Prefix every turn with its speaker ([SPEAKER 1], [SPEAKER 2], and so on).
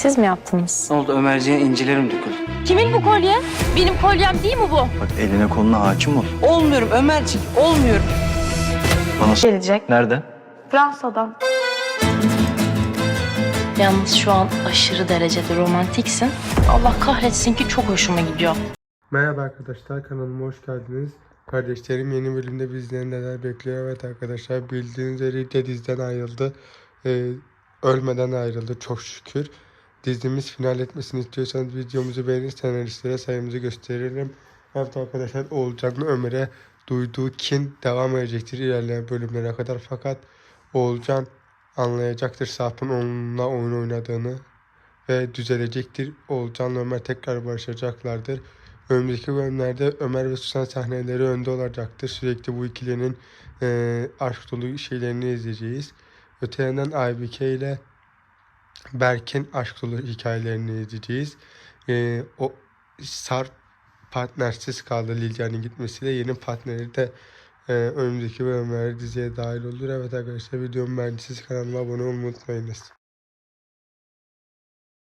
[SPEAKER 1] Siz mi yaptınız?
[SPEAKER 2] Ne oldu, Ömerciğe incilerim döküldü.
[SPEAKER 1] Kimin bu kolye? Benim kolyem değil mi bu?
[SPEAKER 3] Bak eline koluna hakim ol.
[SPEAKER 2] Olmuyorum Ömerciğim, olmuyorum.
[SPEAKER 3] Bana
[SPEAKER 1] Gelecek.
[SPEAKER 3] nerede?
[SPEAKER 1] Fransa'dan. Yalnız şu an aşırı derecede romantiksin. Allah kahretsin ki çok hoşuma gidiyor.
[SPEAKER 4] Merhaba arkadaşlar, kanalıma hoş geldiniz. Kardeşlerim, yeni bölümde bizleri neler bekliyor? Evet arkadaşlar, bildiğiniz üzere de diziden ayrıldı. Ölmeden ayrıldı çok şükür. Dizimiz final etmesini istiyorsanız videomuzu beğenin, senaristlere sayımızı gösterelim. Evet arkadaşlar, Oğulcan'la Ömer'e duyduğu kin devam edecektir ilerleyen bölümlere kadar. Fakat Oğulcan anlayacaktır Sarp'ın onunla oyun oynadığını ve düzelecektir. Oğulcan'la Ömer tekrar barışacaklardır. Önümüzdeki bölümlerde Ömer ve Susan sahneleri önde olacaktır. Sürekli bu ikilinin aşk dolu şeylerini izleyeceğiz. Öte yandan Aybike ile Berk'in aşk dolu hikayelerini izleyeceğiz. O Sarp partnersiz kaldı Lilya'nın gitmesiyle. Yeni partneri de önümüzdeki bölümlerde diziye dahil olur. Evet arkadaşlar, videomu beğendiyseniz kanalıma abone olmayı unutmayınız.